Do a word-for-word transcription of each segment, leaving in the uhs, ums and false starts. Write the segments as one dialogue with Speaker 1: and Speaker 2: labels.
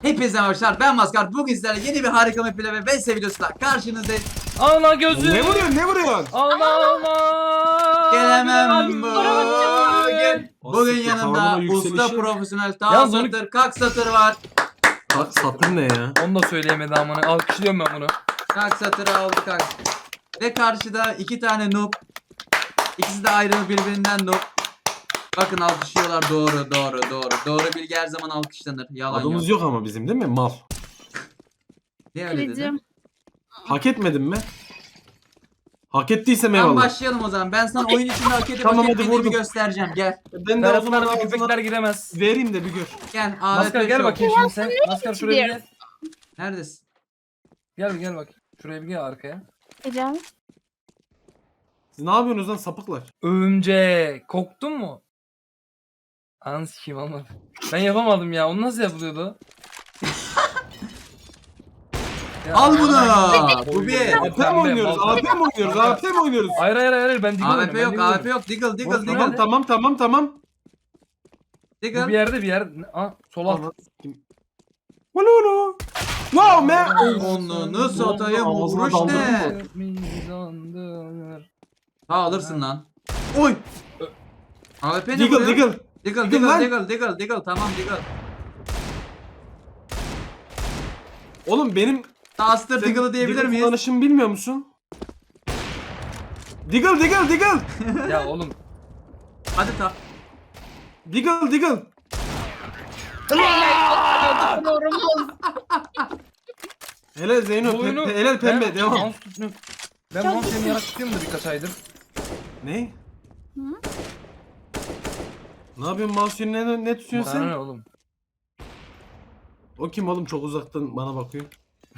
Speaker 1: Hepinize hoşlar. Ben Maskar. Bugün sizlerle yeni bir harika map ile ve Vs videosuyla karşınızdayız.
Speaker 2: Ana gözü.
Speaker 3: Ne vuruyorsun ne vuruyorsun?
Speaker 2: Ana ana.
Speaker 1: Gelemem
Speaker 2: Abi,
Speaker 1: bugün. Bugün
Speaker 3: Nasıl
Speaker 1: yanımda
Speaker 3: kavramın
Speaker 1: usta
Speaker 3: yükselişi?
Speaker 1: profesyonel
Speaker 2: Yalnız
Speaker 1: ta
Speaker 2: onu-
Speaker 1: satır, kak satır var.
Speaker 3: Sa- Satır ne ya?
Speaker 2: Onu da söyleyemedi amına. Alkışlıyorum ben bunu.
Speaker 1: Kak satırı aldı kak. Ve karşıda iki tane noob. İkisi de ayrı birbirinden noob. Bakın alkışlıyorlar, doğru doğru doğru. Doğru bilgi her zaman alkışlanır. Yalan
Speaker 3: Adımız
Speaker 1: yok.
Speaker 3: yok ama bizim değil mi? Mal.
Speaker 1: Niye öyle dedin?
Speaker 4: Kırıcım.
Speaker 3: Hak etmedin mi? Hak ettiysem
Speaker 1: Tamam
Speaker 3: eyvallah.
Speaker 1: başlayalım o zaman. Ben sana oyun içinde hak edip
Speaker 3: Tamam,
Speaker 1: hak
Speaker 3: hadi
Speaker 1: etmediğimi
Speaker 3: vurdum.
Speaker 1: göstereceğim. Gel.
Speaker 3: Ben de o zaman
Speaker 2: Ferhatlar ve
Speaker 3: ağzına
Speaker 2: köpekler giremez.
Speaker 3: vereyim de bir gör.
Speaker 1: Gel.
Speaker 2: Maskar
Speaker 1: A W P
Speaker 2: gel
Speaker 1: show.
Speaker 2: bakayım şimdi sen. Maskar şuraya bir gel.
Speaker 1: Neredesin?
Speaker 2: Gel bir gel bak. Şuraya bir gel arkaya.
Speaker 4: Kırıcım.
Speaker 3: Siz ne yapıyorsunuz lan sapıklar?
Speaker 2: Örümcek. Korktun mu? Anı sikeyim ama. Ben yapamadım ya. Onu nasıl yapılıyordu? Ya,
Speaker 1: Al bunu.
Speaker 2: ay,
Speaker 1: Bu bir.
Speaker 3: A P mi oynuyoruz? A P mi oynuyoruz? A P mi oynuyoruz?
Speaker 2: Hayır hayır hayır ben diggle
Speaker 1: A W
Speaker 2: oynuyorum,
Speaker 1: P
Speaker 2: ben
Speaker 1: yok,
Speaker 2: diggle
Speaker 1: A W P
Speaker 2: oynuyorum.
Speaker 1: yok. Diggle, diggle,
Speaker 2: Boş
Speaker 1: diggle.
Speaker 3: Tamam tamam tamam tamam.
Speaker 2: Bu bir
Speaker 1: Diggle.
Speaker 2: yerde bir yer. Aa sol alt.
Speaker 3: Anlat kim? Ulu ulu. Wow man.
Speaker 1: Onunu satayım,
Speaker 3: Ağzına
Speaker 1: vuruş
Speaker 3: daldırdın
Speaker 1: ne?
Speaker 3: mı?
Speaker 2: Mizandır.
Speaker 1: Ha alırsın lan. Oy. A W P ne
Speaker 3: Diggle
Speaker 1: vuruyor?
Speaker 3: diggle.
Speaker 1: Diggle,
Speaker 3: Diggle
Speaker 1: diggle,
Speaker 3: lan.
Speaker 1: diggle, diggle, diggle. Tamam diggle.
Speaker 3: Oğlum benim
Speaker 1: Taster
Speaker 3: senin
Speaker 1: diggle'ı diyebilir
Speaker 3: diggle
Speaker 1: miyiz?
Speaker 3: kullanışımı bilmiyor musun? Diggle diggle diggle.
Speaker 2: Ya oğlum.
Speaker 1: Hadi ta.
Speaker 3: Diggle diggle.
Speaker 4: Doğrumuz.
Speaker 3: Hele Zeyno
Speaker 2: Bu oyunu
Speaker 3: pe- helal pembe
Speaker 2: ben
Speaker 3: devam.
Speaker 2: mouse tutmuyorum. Ben mouse seni yarak tutuyorum da birkaç aydır.
Speaker 3: Ne?
Speaker 4: Hı?
Speaker 3: Ne yapıyorsun mouse'u ne, ne tutuyorsun
Speaker 2: Sana ne
Speaker 3: sen?
Speaker 2: oğlum?
Speaker 3: O kim oğlum çok uzaktan bana bakıyor.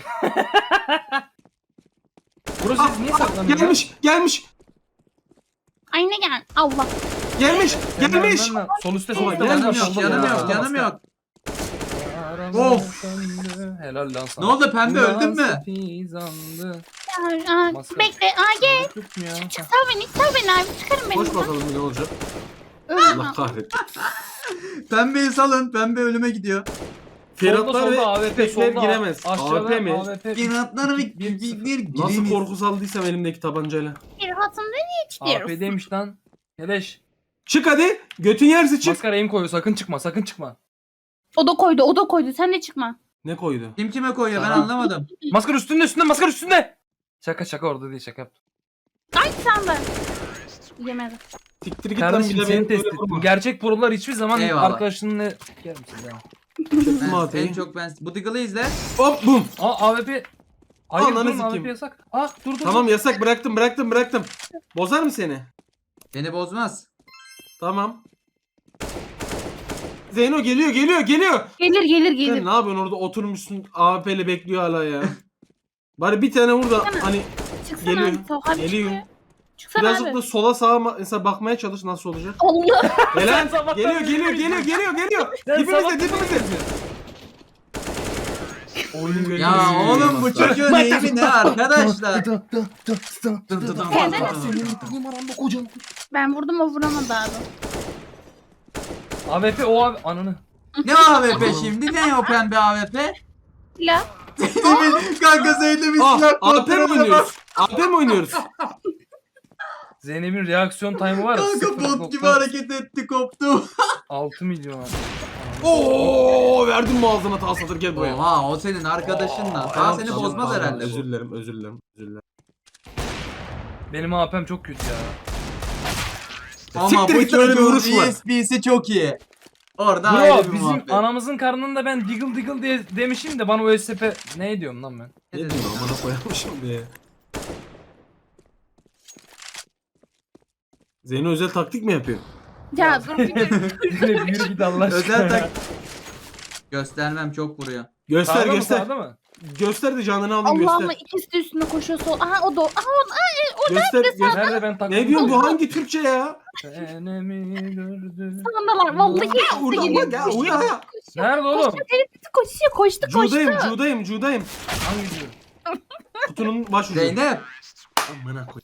Speaker 2: Burası siz niye saklanıyor?
Speaker 3: Gelmiş gelmiş
Speaker 4: Ay ne gel. Allah.
Speaker 3: gelmiş
Speaker 2: Sen de
Speaker 3: gelmiş.
Speaker 2: önden lan. Sol üstte
Speaker 3: Ama
Speaker 2: sol üstte.
Speaker 1: Canım
Speaker 3: gelmiş
Speaker 1: yok,
Speaker 3: oldu
Speaker 1: canım
Speaker 3: ya.
Speaker 1: yok, canım yok.
Speaker 2: Of.
Speaker 1: Of.
Speaker 2: Helal lan sana.
Speaker 1: Ne oldu pembe, öldün mü?
Speaker 2: Pizandı.
Speaker 4: Ya, aa,
Speaker 2: Maskar.
Speaker 4: bekle. Aa gel.
Speaker 2: Tutmuyor.
Speaker 4: Sal beni. Sal beni abi. Çıkarın beni.
Speaker 3: Koş
Speaker 4: buradan.
Speaker 3: bakalım ne olacak.
Speaker 4: Ölüm.
Speaker 3: Allah kahretsin.
Speaker 1: Pembeyi salın, pembe ölüme gidiyor.
Speaker 3: Ferhatlar ve
Speaker 2: A W P
Speaker 3: köpekler
Speaker 2: solda.
Speaker 3: giremez.
Speaker 2: Aşağıda
Speaker 3: A W P mi?
Speaker 2: A W P.
Speaker 1: Piratları bir,
Speaker 2: Bir-
Speaker 1: bir, bir,
Speaker 3: Nasıl
Speaker 1: giremiz.
Speaker 3: korku saldıysam elimdeki tabancayla.
Speaker 4: Bir hatımda niye
Speaker 2: A W
Speaker 4: çıkıyoruz?
Speaker 2: P'deymiş lan. Keleş.
Speaker 3: Çık hadi. Götün yerse çık.
Speaker 2: Maskara aim koyuyor. Sakın çıkma. Sakın çıkma.
Speaker 4: O da koydu. O da koydu. Sen de çıkma.
Speaker 3: Ne koydu?
Speaker 1: Kim kime koyuyor ben
Speaker 2: Tamam.
Speaker 1: anlamadım.
Speaker 2: Maskara üstünde üstünde. Maskara üstünde. Şaka şaka orada değil şaka yaptım.
Speaker 4: Ay sen de. Yemedim.
Speaker 3: Siktir git lan
Speaker 2: Kardeşim
Speaker 3: bir de
Speaker 2: seni
Speaker 3: beni
Speaker 2: test
Speaker 3: böyle
Speaker 2: ettim.
Speaker 3: vurma.
Speaker 2: Gerçek prolar hiçbir zaman
Speaker 1: Eyvallah.
Speaker 2: arkadaşınla... Gel misin ya?
Speaker 3: Çektim
Speaker 1: Ben, en
Speaker 3: atayı.
Speaker 1: çok ben bu diggle'ı izle.
Speaker 3: Hop bum.
Speaker 2: Aa A W P... Hayır
Speaker 3: Ananı
Speaker 2: durun A W P
Speaker 3: sikeyim.
Speaker 2: yasak. Aa dur dur.
Speaker 3: Tamam
Speaker 2: dur.
Speaker 3: yasak bıraktım bıraktım bıraktım. Bozar mı seni?
Speaker 1: Beni bozmaz.
Speaker 3: Tamam. Zeyno geliyor geliyor geliyor.
Speaker 4: Gelir gelir
Speaker 3: Sen
Speaker 4: gelir.
Speaker 3: ne yapıyorsun orada oturmuşsun A W P'yle bekliyor hala ya. Bari bir tane vur da
Speaker 4: Çıksana.
Speaker 3: hani
Speaker 4: Çıksana
Speaker 3: geliyor,
Speaker 4: abi. Sal abi
Speaker 3: geliyor.
Speaker 4: çıkıyor. Çıksana
Speaker 3: birazcık
Speaker 4: abi.
Speaker 3: da sola sağa ma- mesela bakmaya çalış nasıl olacak.
Speaker 4: Allah.
Speaker 3: Helal.
Speaker 2: sabahtan
Speaker 3: Geliyor
Speaker 2: beri
Speaker 3: geliyor
Speaker 2: izliyorsun.
Speaker 3: geliyor geliyor geliyor.
Speaker 2: Sen
Speaker 3: Dibimizde
Speaker 2: sabahtan
Speaker 3: dibimizde.
Speaker 2: Oyun
Speaker 1: Ya oğlum bu çocuğun eğimi ne arkadaşlar?
Speaker 4: Ben vurdum o vuramadı abi.
Speaker 2: A W P o abi ananı.
Speaker 1: Ne A W P şimdi? Ne o pembe A W P?
Speaker 4: La.
Speaker 1: Zeynep'in kanka Zeynep'in
Speaker 3: Ah,
Speaker 1: silah
Speaker 3: A W P mi
Speaker 1: kontrolüne bak.
Speaker 3: oynuyoruz? A W P mi oynuyoruz?
Speaker 2: Zeynep'in reaksiyon time'ı var ya.
Speaker 1: Kanka bot gibi hareket etti koptu.
Speaker 2: altı milyon.
Speaker 3: Oo verdim boğazına ta satır gel buraya.
Speaker 1: Oha o senin arkadaşın lan. Daha seni
Speaker 3: Tamam,
Speaker 1: bozmaz
Speaker 3: tamam,
Speaker 1: herhalde
Speaker 3: Özür
Speaker 1: bu.
Speaker 3: dilerim özür dilerim özür dilerim.
Speaker 2: Benim A P'm çok kötü ya.
Speaker 1: Ama
Speaker 3: Siktir
Speaker 1: bu
Speaker 3: git lan, öyle bir
Speaker 1: çocuğun
Speaker 3: vuruş var.
Speaker 1: E S P'si çok iyi. Orada
Speaker 2: Bro
Speaker 1: ayrı bir
Speaker 2: bizim
Speaker 1: muhabbet.
Speaker 2: anamızın karnında ben diggle diggle diye demişim de bana o S P ne diyorum lan ben?
Speaker 1: Ne
Speaker 3: Ne
Speaker 1: dedin
Speaker 3: diyorsun
Speaker 1: ya?
Speaker 3: amına koyarmışım diye. Zeyno özel taktik mi yapıyor?
Speaker 4: Ya dur bir dur.
Speaker 2: Zeynep yürü git Allah aşkına.
Speaker 1: Özel tak... Göstermem çok vuruyor.
Speaker 3: Göster
Speaker 2: Sağda mı
Speaker 3: göster.
Speaker 2: sağda mı?
Speaker 3: Göster de canını alayım
Speaker 4: Allah'ıma
Speaker 3: göster.
Speaker 4: ikisi de üstüne koşuyor sol. Aha o da. Aha o. Aha,
Speaker 3: Göster göster.
Speaker 2: Nerede ben takıldım?
Speaker 3: Ne diyorsun bu hangi Türkçe ya?
Speaker 2: Senemi gördüm.
Speaker 4: sandalar. Vallahi ikisi de
Speaker 3: Urda
Speaker 4: geliyor.
Speaker 3: bak ya uya ya.
Speaker 2: Nerede oğlum?
Speaker 4: Koştu telepati koşuyor. Koştu koştu.
Speaker 3: Cudayım cudayım cudayım.
Speaker 2: Hangi diyor?
Speaker 3: Kutunun baş ucu.
Speaker 1: Zeynep
Speaker 3: Amına koy.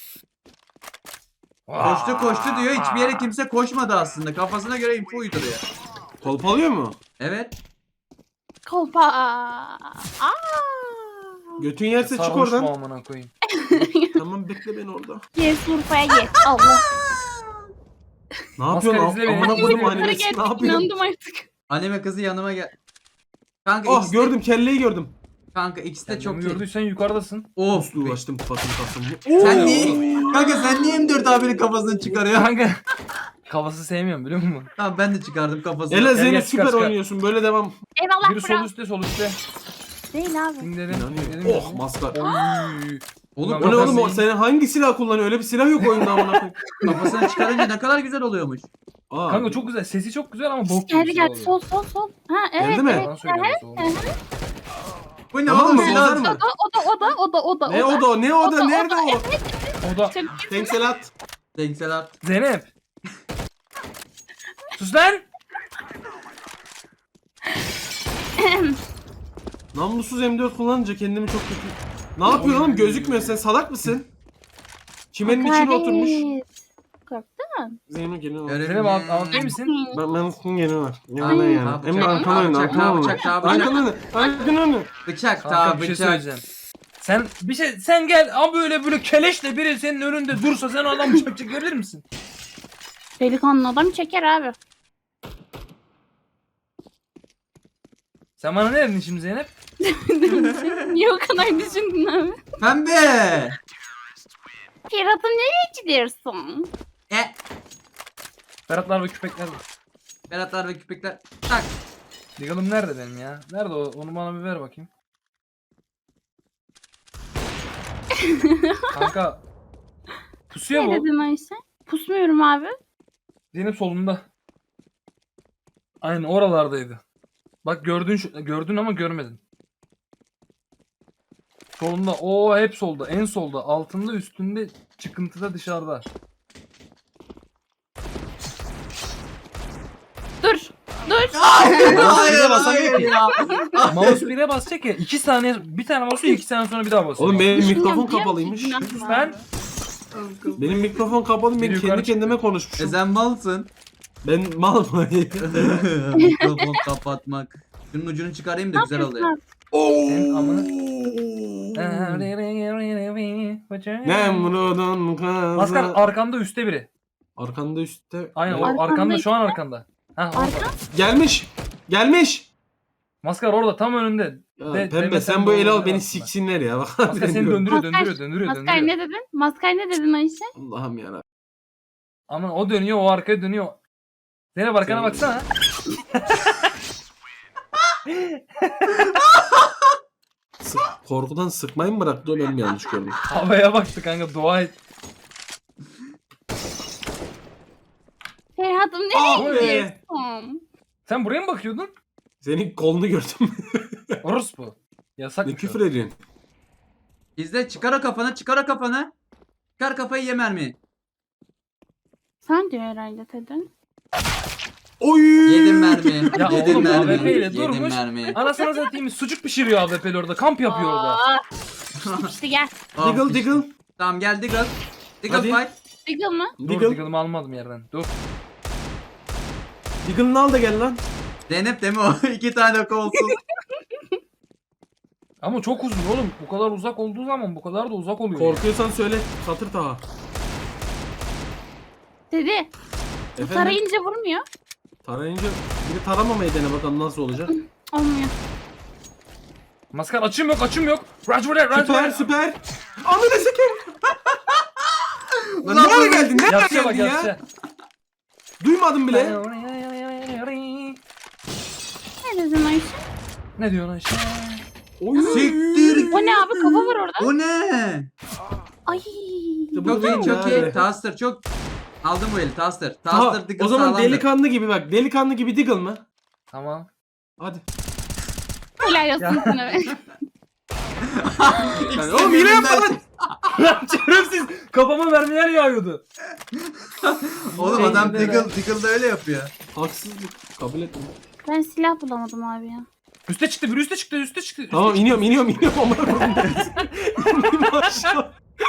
Speaker 1: koştu koştu diyor. Hiçbir yere kimse koşmadı aslında. Kafasına göre info uyduruyor.
Speaker 3: Kolpalıyor mu?
Speaker 1: Evet.
Speaker 4: Kolpa. Aa.
Speaker 3: Götün yerse çık
Speaker 2: Sarhoş mu
Speaker 3: oradan.
Speaker 2: amına koyayım?
Speaker 3: Tamam bekle beni orada.
Speaker 4: Gel Urfa'ya gel. Allah.
Speaker 3: Ne yapıyorsun?
Speaker 2: Maskar izle beni.
Speaker 3: Amına koydum
Speaker 2: Yukarı
Speaker 3: animesi.
Speaker 4: Yukarı
Speaker 3: Ne
Speaker 4: geldik
Speaker 3: yapıyorsun?
Speaker 4: inandım artık.
Speaker 1: Anime kızı yanıma gel. Kanka
Speaker 3: Ah
Speaker 1: ikisi de,
Speaker 3: gördüm kelleyi gördüm.
Speaker 1: kanka ikisi de
Speaker 2: Sen
Speaker 1: çok
Speaker 2: çok
Speaker 1: iyi.
Speaker 2: gördüysen yukarıdasın.
Speaker 1: Of.
Speaker 3: Uslu ulaştım patım patım.
Speaker 1: Sen niye? Kanka sen niye M dört abinin kafasını çıkarıyorsun?
Speaker 2: Kanka. Kafası sevmiyorum biliyor musun?
Speaker 1: Tamam ben de çıkardım kafasını.
Speaker 3: Ela
Speaker 2: gel,
Speaker 3: Zeynep
Speaker 2: çıkar,
Speaker 3: süper
Speaker 2: çıkar.
Speaker 3: oynuyorsun. Böyle devam.
Speaker 4: Eyvallah
Speaker 2: Biri sol
Speaker 4: bro.
Speaker 2: üstte sol üstte.
Speaker 4: Değil abi.
Speaker 2: İndirelim.
Speaker 3: İnanıyorum.
Speaker 2: İndirelim.
Speaker 3: Oh maskar.
Speaker 2: Oy.
Speaker 1: Oğlum
Speaker 3: O ne oğlum o
Speaker 1: kafasını,
Speaker 3: senin hangi silah kullanıyor? Öyle bir silah yok oyunda amına koyayım.
Speaker 1: kafasını çıkarınca ne kadar güzel oluyormuş.
Speaker 3: Aa,
Speaker 2: Kanka çok güzel. Sesi çok güzel ama bok gibi
Speaker 4: Geldi
Speaker 2: bir
Speaker 4: geldi.
Speaker 2: şey
Speaker 4: Sol
Speaker 2: oluyor.
Speaker 4: sol sol. Ha evet.
Speaker 3: Geldi mi?
Speaker 4: evet.
Speaker 2: Yalan söylüyorum sol.
Speaker 1: Bu ne
Speaker 3: Tamam
Speaker 1: oğlum
Speaker 3: mı?
Speaker 1: silah?
Speaker 3: Bozar mı?
Speaker 4: O da o da o da o da o da.
Speaker 3: Ne o da o? Ne o da? Nerede o?
Speaker 2: O da
Speaker 4: Çok
Speaker 3: Tenkselat.
Speaker 1: Denkseler.
Speaker 2: Zeynep. Sus lan.
Speaker 3: Namlusuz M dört kullanınca kendimi çok kötü... Ne yapıyorsun oğlum? Gözükmüyor. Sen salak mısın? Çimenin içine oturmuş.
Speaker 4: Korktun.
Speaker 3: Zeynep geliyor.
Speaker 2: Zeynep alt, alt değil misin?
Speaker 3: Ben ben sizin geliyorlar.
Speaker 1: Abi,
Speaker 3: Yanına yani.
Speaker 1: abi,
Speaker 3: Hem de
Speaker 1: bıçak,
Speaker 3: arkana
Speaker 1: abi,
Speaker 3: önü.
Speaker 1: bıçak,
Speaker 3: Arkana
Speaker 1: abi,
Speaker 3: önü.
Speaker 1: bıçak, abi, bıçak.
Speaker 3: Arkana önü. Arkana önü.
Speaker 1: Bıçak
Speaker 2: Kanka
Speaker 1: ta
Speaker 2: bir şey
Speaker 1: bıçak.
Speaker 2: söyleyeceğim. Sen bir şey sen gel ama böyle böyle keleşle biri senin önünde dursa sen adam bıçak çekebilir misin?
Speaker 4: Delikanlı adam çeker abi.
Speaker 2: Sen bana ne dedin şimdi Zeynep?
Speaker 4: Niye o kadar düşündün abi?
Speaker 1: Pembe.
Speaker 4: Pirat'ım nereye gidiyorsun?
Speaker 1: E.
Speaker 2: Ferhatlar ve küpekler.
Speaker 1: Beratlar ve küpekler. Tak.
Speaker 2: Digalım nerede benim ya? Nerede o? Onu bana bir ver bakayım. Kanka. Pusuyor
Speaker 4: Ne
Speaker 2: bu.
Speaker 4: dedin Ayşe? Pusmuyorum abi.
Speaker 2: Zeynep solunda. Aynen oralardaydı. Bak gördün şu- gördün ama görmedin. Solunda. O hep solda. En solda. Altında, üstünde, çıkıntıda, dışarıda.
Speaker 4: Dur. Dur.
Speaker 1: Hayır
Speaker 2: hayır,
Speaker 1: hayır
Speaker 2: hayır
Speaker 1: ya.
Speaker 2: Mouse bire basacak ya. iki saniye, bir tane basıyor, iki saniye sonra bir daha basıyor.
Speaker 3: Oğlum benim
Speaker 4: Düşünüyorum,
Speaker 3: mikrofon
Speaker 4: biliyor
Speaker 3: kapalıymış.
Speaker 4: musun?
Speaker 2: Sus lan.
Speaker 3: Benim mikrofon kapalı. Ben
Speaker 2: Biri yukarı
Speaker 3: kendi
Speaker 2: çıktı.
Speaker 3: kendime
Speaker 1: E
Speaker 3: konuşmuşum.
Speaker 1: sen malsın.
Speaker 3: Ben mal mı?
Speaker 1: Mikrofon kapatmak. Şunun ucunu çıkarayım da güzel oluyor.
Speaker 2: Senin amını.
Speaker 3: Nemrud'un kızı.
Speaker 2: Maskar arkanda üstte biri.
Speaker 3: Arkanda üstte.
Speaker 2: Aynen
Speaker 3: Evet.
Speaker 2: o arkanda şu an arkanda. Ha orada.
Speaker 4: Arka.
Speaker 3: Gelmiş. Gelmiş.
Speaker 2: Maskar orada tam önünde.
Speaker 3: Ya,
Speaker 2: De-
Speaker 3: pembe
Speaker 2: demesen
Speaker 3: sen bu
Speaker 2: doğru
Speaker 3: eli al
Speaker 2: demezsin
Speaker 3: beni
Speaker 2: ben.
Speaker 3: siksinler ya. Bak.
Speaker 2: Maskar seni döndürüyor,
Speaker 4: Maskar-
Speaker 2: döndürüyor, döndürüyor,
Speaker 4: Maskar
Speaker 2: döndürüyor.
Speaker 4: ne dedin? Maskar ne dedin Ayşe?
Speaker 3: Allah'ım yarabbim.
Speaker 2: Ama o dönüyor, o arkaya dönüyor. Zeynep arkana
Speaker 3: Senin-
Speaker 2: baksana.
Speaker 3: Sık, korkudan sıkmayı mı bıraktı o ben mi yanlış gördüm?
Speaker 2: Havaya baktı kanka, dua et.
Speaker 4: Ferhat'ım
Speaker 3: Ah
Speaker 4: nereye
Speaker 3: be.
Speaker 4: gidiyorsun?
Speaker 2: Sen buraya mı bakıyordun?
Speaker 3: Senin kolunu gördüm.
Speaker 2: Orospu. Yasak
Speaker 3: ne
Speaker 2: mı?
Speaker 3: küfür ediyorsun?
Speaker 1: İzle çıkar o kafanı çıkar o kafanı. Çıkar kafayı ye mermi.
Speaker 4: Sen diyor herhalde dedin.
Speaker 3: Oy!
Speaker 1: Yedim mermi.
Speaker 2: Ya
Speaker 1: Yedim
Speaker 2: oğlum,
Speaker 1: mermi.
Speaker 2: A W P ile
Speaker 1: Yedim
Speaker 2: durmuş.
Speaker 1: mermi.
Speaker 2: Anasını satayım, sucuk pişiriyor A W P'li orada. Kamp yapıyor orada.
Speaker 4: Aa, İşte işte gel.
Speaker 1: Ah,
Speaker 3: Diggle
Speaker 1: işte.
Speaker 3: diggle.
Speaker 1: Tamam gel Diggle. Diggle
Speaker 3: Hadi.
Speaker 1: fight.
Speaker 4: Diggle mı?
Speaker 2: Dur,
Speaker 3: Diggle.
Speaker 2: Diggle'ımı almadım yerden. Dur.
Speaker 3: Diggle'ını al da gel lan.
Speaker 1: Zeynep deme o. İki tane kolsuz.
Speaker 2: Ama çok uzun oğlum. Bu kadar uzak olduğu zaman bu kadar da uzak oluyor.
Speaker 3: Korkuyorsan söyle. Satır taha.
Speaker 4: Dedi. Bu
Speaker 3: Efendim?
Speaker 4: tarayınca vurmuyor.
Speaker 3: Tarayınca biri taramamayı dene bakalım nasıl olacak.
Speaker 4: Olmuyor.
Speaker 2: Ya. Maskar açım yok, açım yok. Raj buraya, Raj
Speaker 3: Süper
Speaker 2: buraya.
Speaker 3: süper. Ananı sikeyim. Lan
Speaker 1: Ulan
Speaker 3: nereye
Speaker 1: bu-
Speaker 3: geldin? Nereye
Speaker 2: Yatsıya bak,
Speaker 3: geldin ya?
Speaker 2: yatsıya.
Speaker 3: Duymadım bile.
Speaker 4: Ne dedin Ayşe?
Speaker 2: Ne diyorsun Ayşe?
Speaker 3: Oy.
Speaker 1: Siktir.
Speaker 4: O ne abi? Kafa var orada.
Speaker 1: Bu ne?
Speaker 4: Ay.
Speaker 3: İşte bu
Speaker 1: Çok iyi
Speaker 3: değil
Speaker 1: çok
Speaker 3: ya.
Speaker 1: iyi. Taster çok. Aldım bu eli Taster.
Speaker 3: Taha,
Speaker 1: Taster Diggle
Speaker 3: o zaman
Speaker 1: sağlamdır.
Speaker 3: delikanlı gibi bak. Delikanlı gibi Diggle mı?
Speaker 2: Tamam.
Speaker 3: Hadi.
Speaker 4: Helal olsun sana be.
Speaker 3: Yani, oğlum hile yapma lan.
Speaker 2: Lan şerefsiz. Kafama mermiler yağıyordu.
Speaker 1: Oğlum adam
Speaker 2: Zeynep'e
Speaker 1: Diggle, Diggle da öyle yapıyor.
Speaker 3: Haksızlık. Kabul etmiyorum.
Speaker 4: Ben silah bulamadım abi ya.
Speaker 2: Üste çıktı, bir üste çıktı, üste çıktı. Üste
Speaker 3: Tamam
Speaker 2: çıktı.
Speaker 3: iniyorum iniyorum iniyorum. Amına koyayım. İndim aşağı.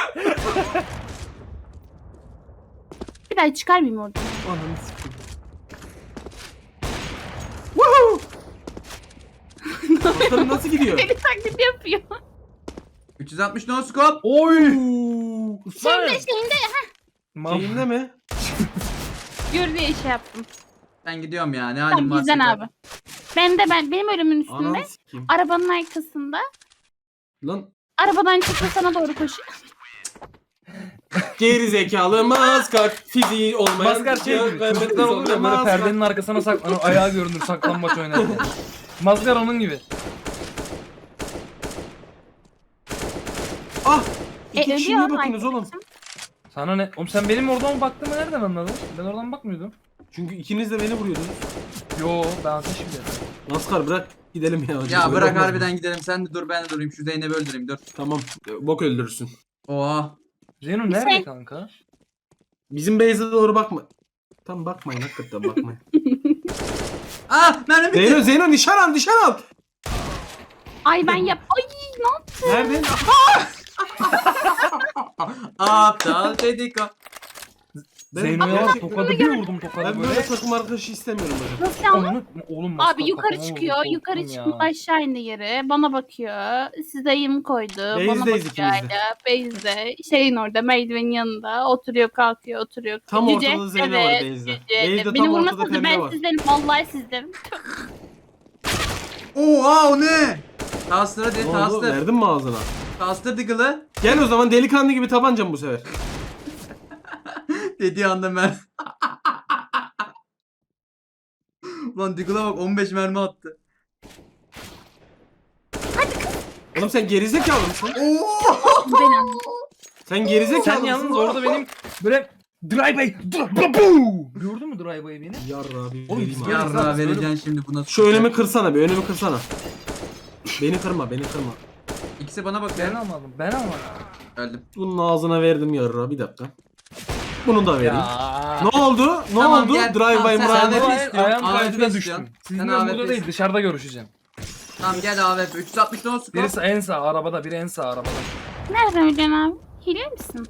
Speaker 4: Bir daha çıkarmayayım orada.
Speaker 3: Ananı sikeyim. Woohoo! Bakalım nasıl gidiyor?
Speaker 4: Deli taklidi yapıyor.
Speaker 1: üç yüz altmış no scope.
Speaker 2: Oy.
Speaker 4: Şeyinde şeyinde
Speaker 2: Mal.
Speaker 3: Şeyinde mi?
Speaker 4: gör diye şey yaptım.
Speaker 1: Ben gidiyorum ya. Ne halim
Speaker 4: Tamam
Speaker 1: varsa.
Speaker 4: bizden
Speaker 1: gör.
Speaker 4: abi. Ben de ben benim ölümün üstünde
Speaker 3: Ananı sikeyim.
Speaker 4: arabanın arkasında
Speaker 3: Lan
Speaker 4: arabadan çıkıyor sana doğru koşuyor.
Speaker 3: geri zekalı maskar fiziği olmayan.
Speaker 2: Maskar şey gibi. Çocuklar olur ya böyle perdenin arkasına saklanır. Ayağı görünür saklanmaç oynarken. Maskar onun gibi.
Speaker 3: Ah! İki
Speaker 4: E,
Speaker 3: kişi
Speaker 4: ölüyor
Speaker 3: niye bakıyorsunuz oğlum?
Speaker 4: arkadaşım.
Speaker 2: Sana ne? Oğlum sen benim oradan baktığımı nereden anladın? Ben oradan bakmıyordum.
Speaker 3: Çünkü ikiniz de beni vuruyordunuz.
Speaker 2: Yo ben ateş şimdi.
Speaker 3: Maskar bırak gidelim ya.
Speaker 1: Ya
Speaker 3: Böyle
Speaker 1: bırak
Speaker 3: olmaz mı?
Speaker 1: harbiden gidelim. Sen de dur ben de durayım. Şu Zeynep'i öldüreyim dur.
Speaker 3: Tamam. Bok öldürürsün.
Speaker 1: Oha.
Speaker 2: Zeyno nerede kanka?
Speaker 3: Bizim base'e doğru bakma. Tam bakmayın hakikaten bakmayın.
Speaker 1: Ah mermi bitti.
Speaker 3: Zeyno Zeyno nişan al nişan al.
Speaker 4: Ay ben yap. Ay ne yaptın?
Speaker 3: Nerede?
Speaker 1: Aptal dedik o.
Speaker 3: Ben-
Speaker 2: Zeyno'ya var
Speaker 3: Gerçekten-
Speaker 2: tokadı bir vurdum tokadı
Speaker 3: Ben
Speaker 2: böyle.
Speaker 3: böyle takım arkadaşı istemiyorum böyle.
Speaker 4: Nasıl yani?
Speaker 2: Onu, oğlum maskar
Speaker 4: Abi yukarı
Speaker 2: kafama
Speaker 4: çıkıyor,
Speaker 2: vurdu,
Speaker 4: yukarı
Speaker 2: korktum
Speaker 4: çıkıp
Speaker 2: ya.
Speaker 4: aşağı indi yere. Bana bakıyor. Size yım koydu. Bana
Speaker 3: Base'deyiz
Speaker 4: bakıyor
Speaker 3: ikimiz de.
Speaker 4: hala. Base'de. Şeyin orada, merdivenin yanında. Oturuyor, kalkıyor, oturuyor.
Speaker 3: Tam
Speaker 4: Yüce,
Speaker 3: ortada Zeyno
Speaker 4: evet,
Speaker 3: var base'de.
Speaker 4: Yüce.
Speaker 3: Base'de
Speaker 4: Beni
Speaker 3: tam ortada
Speaker 4: vurmasanız
Speaker 3: pembe
Speaker 4: ben
Speaker 3: var.
Speaker 4: sizdenim. Vallahi sizdenim.
Speaker 1: Oha o ne? Tastır
Speaker 3: Ne
Speaker 1: hadi
Speaker 3: oldu?
Speaker 1: tastır.
Speaker 3: Verdin mi ağzına?
Speaker 1: Tastır Diggle'ı.
Speaker 3: Gel o zaman delikanlı gibi tabancam bu sefer.
Speaker 1: Dediği anda ben. Ulan Diggle'a bak on beş mermi attı.
Speaker 3: Oğlum sen gerizekalı mısın?
Speaker 1: Oo!
Speaker 4: Beni anladın.
Speaker 3: Sen gerizekalı
Speaker 2: Sen
Speaker 3: mısın?
Speaker 2: yalnız orada benim böyle drive-by drive-by gördün mü drive-by'ı beni?
Speaker 3: Yarra bir
Speaker 2: Oğlum,
Speaker 3: vereyim abi.
Speaker 2: ya-
Speaker 1: Yarra vereceksin şimdi buna.
Speaker 3: Şu önümü kırsana bir önümü kırsana. Beni kırma beni kırma.
Speaker 1: İkisi bana bak
Speaker 2: Ben
Speaker 1: ya.
Speaker 2: almadım ben almadım.
Speaker 1: Öldüm.
Speaker 3: Bunun ağzına verdim yarra bir dakika. Bunu da vereyim.
Speaker 2: Ya.
Speaker 3: Ne oldu? Ne
Speaker 1: Tamam,
Speaker 3: oldu?
Speaker 1: gel.
Speaker 3: Drive
Speaker 1: Tamam,
Speaker 3: by
Speaker 1: sen-
Speaker 2: Sen
Speaker 1: sen
Speaker 3: Murat.
Speaker 1: de-
Speaker 2: bu
Speaker 1: istiyorsun,
Speaker 2: ayağım
Speaker 1: A W P
Speaker 2: kaydıda
Speaker 1: istiyorsun.
Speaker 2: düştüm.
Speaker 1: Sen
Speaker 2: Sizinle
Speaker 1: A W P
Speaker 2: burada değil
Speaker 1: istiyorsun.
Speaker 2: dışarıda görüşeceğim.
Speaker 1: Tamam gel A W P. üç yüz altmış no scope.
Speaker 2: Birisi en sağ arabada biri en sağ arabada.
Speaker 4: Nereden öleceksin abi? Hile misin?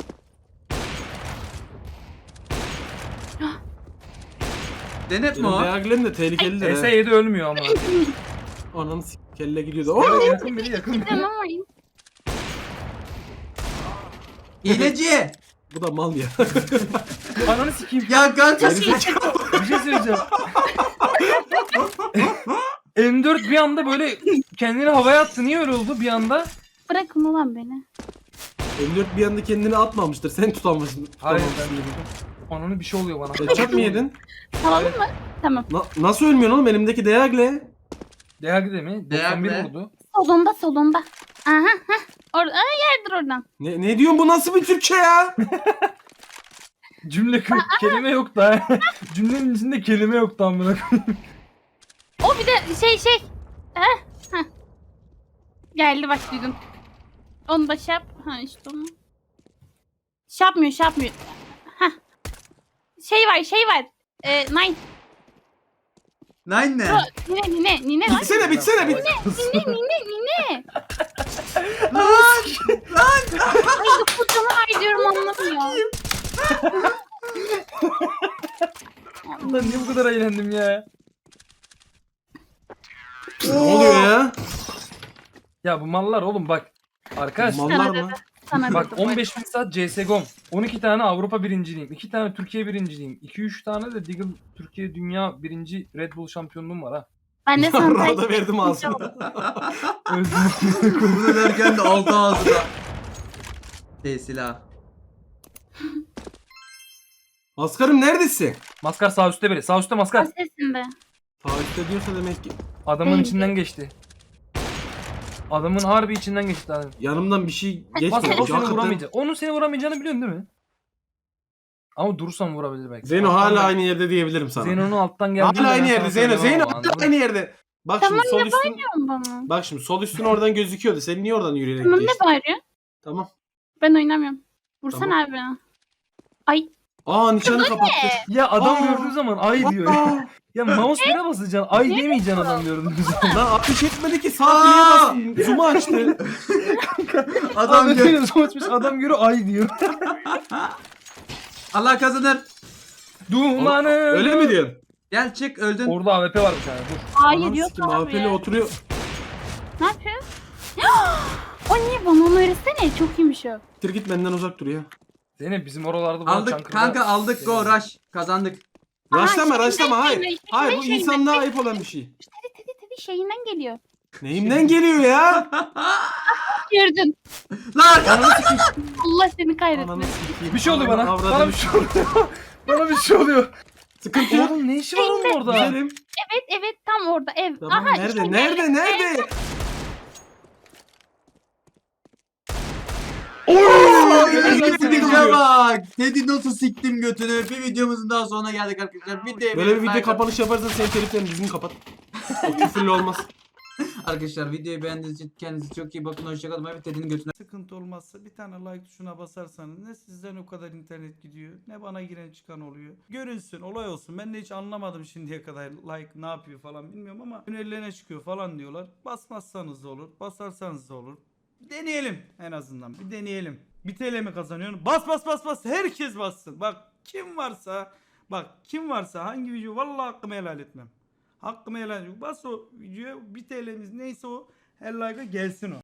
Speaker 1: Denep mi
Speaker 3: Benim
Speaker 1: o?
Speaker 3: Diaglen de tehlikelidir
Speaker 2: S
Speaker 3: he.
Speaker 2: yedi ölmüyor ama.
Speaker 3: Ananı s- kelle gidiyordu. Oh!
Speaker 2: Evet, yakın biri yakın biri.
Speaker 4: Tamam ay.
Speaker 1: Hileci.
Speaker 3: Bu da mal ya.
Speaker 2: Ananı sikeyim.
Speaker 1: Ya kanka.
Speaker 2: Bir şey söyleyeceğim. M dört bir anda böyle kendini havaya attı. Niye öyle oldu bir anda?
Speaker 4: Bırakın ulan beni.
Speaker 3: M dört bir anda kendini atmamıştır. Sen tutamışsın.
Speaker 2: Hayır
Speaker 3: tutamamışsın.
Speaker 2: ben vurdum. Ananı bir şey oluyor bana.
Speaker 3: Headshot mı yedin?
Speaker 4: Salalım mı? Tamam.
Speaker 3: Na- nasıl ölmüyorsun oğlum? Elimdeki Diagle.
Speaker 2: Değerli mi? doksan bir
Speaker 1: Değerli.
Speaker 2: vurdu.
Speaker 4: Solunda solunda. Aha. Heh. Orada. Aa, yerdir oradan.
Speaker 3: Ne, ne diyorsun bu nasıl bir Türkçe ya?
Speaker 2: Cümle kı- kelime yok da. Cümlenin içinde kelime yok tam buna.
Speaker 4: O bir de şey şey. Heh. Heh. Geldi bak duydum. Onu da şey yap. Ha işte onu. Şey yapmıyor şey yapmıyor. Heh. Şey var şey var. Ee, nine.
Speaker 1: Nine ne?
Speaker 4: Nine nine nine lan.
Speaker 3: Bitsene bitsene bit.
Speaker 4: Nine nine nine.
Speaker 1: Lan!
Speaker 4: Ay bu canavar diyorum anlamıyor.
Speaker 2: Lan niye bu kadar eğlendim ya?
Speaker 3: Ne oluyor ya?
Speaker 2: Ya bu mallar oğlum bak. Arkadaş
Speaker 3: Mallar
Speaker 4: Sana
Speaker 3: mı?
Speaker 4: dedi. Sana
Speaker 2: bak
Speaker 4: dedi.
Speaker 2: on beş bin saat C S G O'm. on iki tane Avrupa birinciliğim. iki tane Türkiye birinciliğim. iki üç tane de Deagle Türkiye Dünya birinci Red Bull şampiyonluğum var ha.
Speaker 4: Ben de sana
Speaker 3: Yarra da verdim ağzına.
Speaker 2: Öldüm.
Speaker 1: Bunu derken de altı ağzına. Şey silah.
Speaker 3: Askarım neredesin?
Speaker 2: Maskar sağ üstte biri. Sağ üstte maskar.
Speaker 4: sesinde.
Speaker 3: Taahhüt diyorsa demek ki
Speaker 2: Adamın
Speaker 4: Bence.
Speaker 2: içinden geçti. Adamın harbi içinden geçti adam.
Speaker 3: yanımdan bir şey
Speaker 2: Maskar
Speaker 3: geçmedi.
Speaker 2: o seni
Speaker 3: Hakikaten-
Speaker 2: vuramayacak. Onun seni vuramayacağını biliyorsun değil mi? Ama durursan vurabilir belki.
Speaker 3: Zeyno
Speaker 2: Alttan
Speaker 3: hala
Speaker 2: gel-
Speaker 3: aynı yerde diyebilirim sana.
Speaker 2: Zeyno'nun alttan geldi.
Speaker 3: Hala aynı yerde Zeyno. Zeyno hala aynı yerde. Bak
Speaker 4: Tamam,
Speaker 3: şimdi sol üstün.
Speaker 4: Diyorum bana.
Speaker 3: Bak şimdi sol üstün oradan gözüküyordu. Sen niye oradan yürüyerek
Speaker 4: Tamam ne
Speaker 3: geçtin?
Speaker 4: bağırıyor?
Speaker 3: Tamam.
Speaker 4: Ben oynamıyorum. Vursana
Speaker 3: Tamam.
Speaker 4: abi bana. Ay.
Speaker 3: Aa nişanı kapattı.
Speaker 2: Ya adam
Speaker 3: Aa.
Speaker 2: gördüğü zaman ay diyor.
Speaker 3: Aa,
Speaker 2: Ya mouse bire basacaksın. Ay demeyeceksin adam gördüğü zaman.
Speaker 3: lan ateş etmedi ki sağ kliğe basayım. Zoom'u açtı.
Speaker 1: Adam
Speaker 2: Adam
Speaker 1: gör.
Speaker 2: görüyor açmış adam görüyor ay diyor.
Speaker 1: Allah kazanır.
Speaker 2: Dumanı.
Speaker 3: Öyle mi diyorsun?
Speaker 1: Gel çık öldün.
Speaker 2: Orada A W P var bir tane dur.
Speaker 4: Hayır
Speaker 3: Ananı
Speaker 4: yok
Speaker 3: sikeyim,
Speaker 4: abi.
Speaker 3: A W P'li oturuyor.
Speaker 4: Ne yapıyor? O niye bana onu öğretsene? Çok iyiymiş o.
Speaker 3: Tir git benden uzak dur ya.
Speaker 2: Zeynep bizim oralarda bu
Speaker 1: Aldık
Speaker 2: Çankırı'da-
Speaker 1: kanka aldık go rush. Kazandık.
Speaker 3: Raşlama
Speaker 4: şeyinden
Speaker 3: raşlama hayır.
Speaker 4: geliyor, işte
Speaker 3: Hayır bu
Speaker 4: şeyinden,
Speaker 3: insanlığa ayıp olan bir şey.
Speaker 4: Tedi tedi tedi şeyinden geliyor.
Speaker 3: Neyimden geliyor ya?
Speaker 4: Gördün.
Speaker 1: Lan arkadaş.
Speaker 3: Ananı sikeyim.
Speaker 4: Allah seni
Speaker 3: Ananı
Speaker 4: kahretmesin.
Speaker 3: sikeyim.
Speaker 2: Bir şey oluyor bana.
Speaker 3: Ananı
Speaker 2: Bana
Speaker 3: avradını
Speaker 2: bir şey oluyor. Bana bir şey oluyor.
Speaker 3: Sıkıntı yok.
Speaker 2: Oğlum ne işi var onun orada?
Speaker 3: Güzelim.
Speaker 4: Evet evet tam orada ev.
Speaker 3: Tamam
Speaker 4: Aha,
Speaker 3: nerede
Speaker 4: işte
Speaker 3: nerede nerede?
Speaker 1: Teddy'ye bak. Teddy nasıl siktim götünü. Bir videomuzun daha sonuna geldik arkadaşlar. Videoya
Speaker 3: Böyle bir video
Speaker 1: like-
Speaker 3: kapanış yaparsan senin teliflerini dizini kapat. O küfürlü olmaz.
Speaker 1: Arkadaşlar videoyu beğendiğiniz için kendinize çok iyi bakın. Hoşçakalın. Bay bay. Teddy'nin götüne.
Speaker 5: Sıkıntı olmazsa bir tane like tuşuna basarsanız ne sizden o kadar internet gidiyor ne bana giren çıkan oluyor. Görünsün olay olsun. Ben de hiç anlamadım şimdiye kadar like ne yapıyor falan bilmiyorum ama önerilerine çıkıyor falan diyorlar. Basmazsanız da olur, basarsanız da olur. Deneyelim en azından bir deneyelim. Bir T L mi kazanıyorsun? Bas bas bas bas herkes bassın. Bak kim varsa bak kim varsa hangi video vallahi hakkımı helal etmem. Hakkımı helal etmem. Bas o videoya bir T L'miz neyse o her like'a gelsin o.